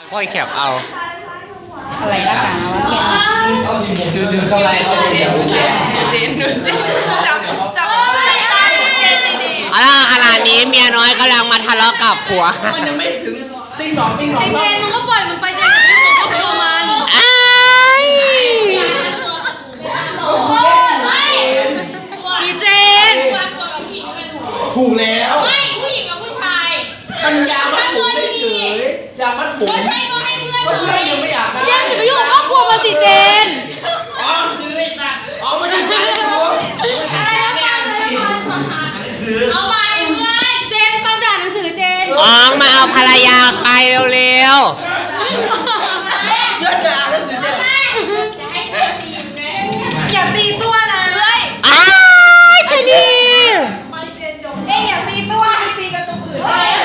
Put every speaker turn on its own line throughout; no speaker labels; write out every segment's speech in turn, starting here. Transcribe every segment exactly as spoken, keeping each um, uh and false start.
ก้อยแคบเอา
อะไรก็ตามว่าเทียน
ดูดูเข้าไรเขาเจีนดูเจีน
เจนดูเจนจับจับเจนเลยดิ
เอาล่ะขณะนี้เมียน้อยกำลังมาทะเลาะกับผัว
มันยังไม่ถึงติ้งหนองติ้งหนอง
เจนมึงก็ปล่อยมันไปเจนกับพี่สุก็กลัวมัน
อ้าย
ดีเจน
ถูกแล้ว
ไม่ผู้หญิงกับผู้ชาย
มันยามัดผมไม่เฉยยามัดผม
ก็ใช่ก็ให้เพื่อน
ก็เพื่อนยังไม่อยากได้
เจนอย่าไปยุ่งกับครอบครัวมันสิเจน
อ๋อซื้อไอ้สัตว์อ๋อมาดูกันดู
อะไรนะฟังเลย
เอาไปเพื่อน
เจนฟังด่าหนังสือเจน
อ๋องมาเอาภรรยาไปเร็ว
เพื่อนจะอ่านหนังสือเด็ด
ให้เพื่อนตีแม่
อย่าตีตัวนะเฮ้ย
ๆอ้ายชนี
เอ้ยอย่าตีตัวตีกับตัวอื่น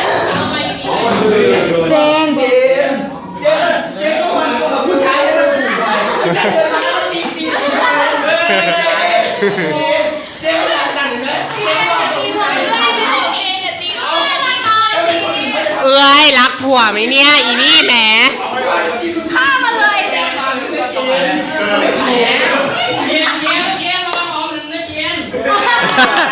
เจน
เจนเจนเจนก็มันกับผู้ชายให้มันถูกไปผู้ชายเดินมาแล้วตีตีตีไปเจนก็ดันเลยเจนก็ตีไป
เฮ้ยไม่บอกเจนอย่าตีตัวอย่าตีตัว
เอ้ยรักผัวไหมเนี่ยอีนี่แหม
ฆ่ามันเลย
แกฟังไม่เจนเจนเจนเจนรอหอมหนึ่งนะเจน